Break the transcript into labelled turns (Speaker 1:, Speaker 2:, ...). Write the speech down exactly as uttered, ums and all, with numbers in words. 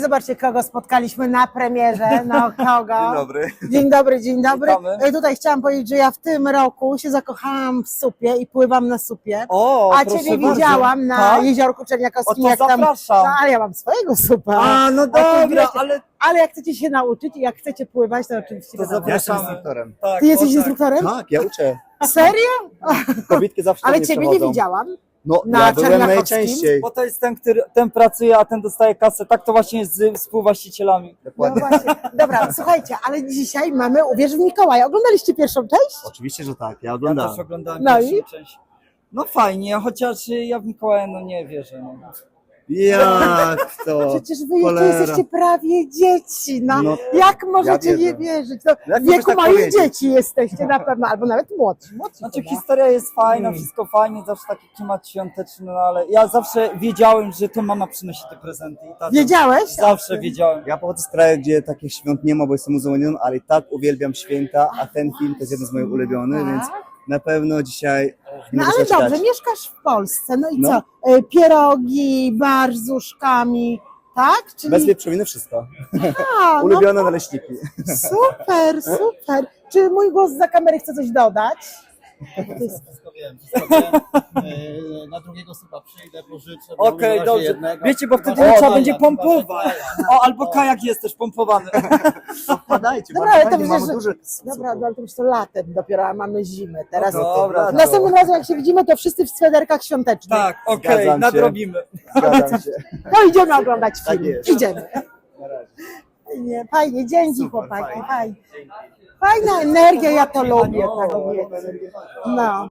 Speaker 1: Zobaczcie, kogo spotkaliśmy na premierze. No, kogo?
Speaker 2: Dzień dobry.
Speaker 1: Dzień dobry, dzień dobry.
Speaker 2: Witamy.
Speaker 1: Tutaj chciałam powiedzieć, że ja w tym roku się zakochałam w supie i pływam na supie.
Speaker 2: O,
Speaker 1: A
Speaker 2: proszę
Speaker 1: Ciebie
Speaker 2: bardzo.
Speaker 1: widziałam na
Speaker 2: Tak?
Speaker 1: jeziorku Czerniakowskim.
Speaker 2: O, to
Speaker 1: jak tam,
Speaker 2: zapraszam.
Speaker 1: no, ale ja mam swojego supa.
Speaker 2: A, no
Speaker 1: A ty
Speaker 2: dobra,
Speaker 1: wiecie,
Speaker 2: ale
Speaker 1: ale jak chcecie się nauczyć i jak chcecie pływać, to oczywiście
Speaker 2: to
Speaker 1: wiadomo.
Speaker 2: zapraszamy.
Speaker 3: Ja jestem instruktorem.
Speaker 2: Tak,
Speaker 1: Ty jesteś
Speaker 2: o, tak.
Speaker 1: instruktorem?
Speaker 3: Tak, ja uczę.
Speaker 1: Serio?
Speaker 3: Kobietki zawsze
Speaker 1: Ale
Speaker 3: mnie
Speaker 1: Ciebie nie
Speaker 3: przewodzą.
Speaker 1: widziałam.
Speaker 3: No,
Speaker 1: Na
Speaker 3: ja byłem
Speaker 1: Czerniakowskim?
Speaker 3: najczęściej.
Speaker 2: Bo to jest ten, który ten pracuje, a ten dostaje kasę. Tak to właśnie jest z współwłaścicielami.
Speaker 1: No
Speaker 3: Dokładnie.
Speaker 1: właśnie. Dobra, słuchajcie, ale dzisiaj mamy Uwierz w Mikołaja. Oglądaliście pierwszą część?
Speaker 3: Oczywiście, że tak, ja
Speaker 2: Ja
Speaker 3: oglądałem.
Speaker 2: też oglądałem
Speaker 1: No
Speaker 2: pierwszą
Speaker 1: i?
Speaker 2: część. No fajnie, chociaż ja w Mikołaja no nie wierzę. No.
Speaker 3: Jak to?
Speaker 1: Przecież wy jeszcze
Speaker 3: Cholera.
Speaker 1: jesteście prawie dzieci, no.
Speaker 3: No,
Speaker 1: Jak możecie
Speaker 3: ja
Speaker 1: nie
Speaker 3: wierzę.
Speaker 1: wierzyć? No,
Speaker 3: Jak
Speaker 1: w wieku
Speaker 3: możesz tak
Speaker 1: moich
Speaker 3: powiedzieć?
Speaker 1: dzieci jesteście na pewno, albo nawet młodsi. młodsi
Speaker 2: Znaczy
Speaker 1: chyba.
Speaker 2: historia jest fajna,
Speaker 3: Mm.
Speaker 2: wszystko fajnie, zawsze taki klimat świąteczny, no ale ja zawsze wiedziałem, że to mama przynosi te prezenty. I tata.
Speaker 1: Wiedziałeś?
Speaker 2: Zawsze wiedziałem.
Speaker 3: Ja pochodzę z kraju, gdzie takich świąt nie ma, bo jestem muzułmaninem, ale i tak uwielbiam święta, a ten film to jest jeden z moich ulubionych,
Speaker 1: Tak?
Speaker 3: więc na pewno dzisiaj nie
Speaker 1: No
Speaker 3: mogę
Speaker 1: ale
Speaker 3: się doczekać.
Speaker 1: dobrze, mieszkasz w Polsce, no i
Speaker 3: No.
Speaker 1: co? E, Pierogi, bar z uszkami, tak? Czyli...
Speaker 3: Bez wieprzowiny wszystko.
Speaker 1: A, no,
Speaker 3: Ulubione naleśniki.
Speaker 1: super, super. Czy mój głos za kamery chce coś dodać?
Speaker 4: Wszystko wiem, wszystko wiem. Yy, Na drugiego supa przyjdę, pożyczę. bo
Speaker 2: Okej,
Speaker 4: na razie
Speaker 2: dobrze.
Speaker 4: jednego.
Speaker 2: Wiecie, bo
Speaker 4: Chyba,
Speaker 2: wtedy
Speaker 4: że
Speaker 2: trzeba
Speaker 4: kaja,
Speaker 2: będzie
Speaker 4: chyba, że
Speaker 2: pompować.
Speaker 4: kaja.
Speaker 2: O, albo kajak jest też pompowany.
Speaker 3: Wpadajcie,
Speaker 1: Dobra, ale to
Speaker 3: fajnie, mamy
Speaker 1: przecież-
Speaker 3: duży
Speaker 1: Dobra, no ale to już to latem dopiero, a mamy zimę. Teraz
Speaker 2: No dobra,
Speaker 1: następnym razem jak się widzimy, to wszyscy w swederkach świątecznych.
Speaker 2: Tak, okej,
Speaker 3: Zgadzam się.
Speaker 2: nadrobimy.
Speaker 3: Zgadzam się.
Speaker 1: No idziemy oglądać
Speaker 3: Tak
Speaker 1: film.
Speaker 3: jest.
Speaker 1: Idziemy.
Speaker 3: Na razie.
Speaker 1: Fajnie, fajnie, dzięki
Speaker 3: Super,
Speaker 1: chłopaki,
Speaker 3: fajnie.
Speaker 1: fajnie. Fajna energia, ja to lubię, tak wiecie. No.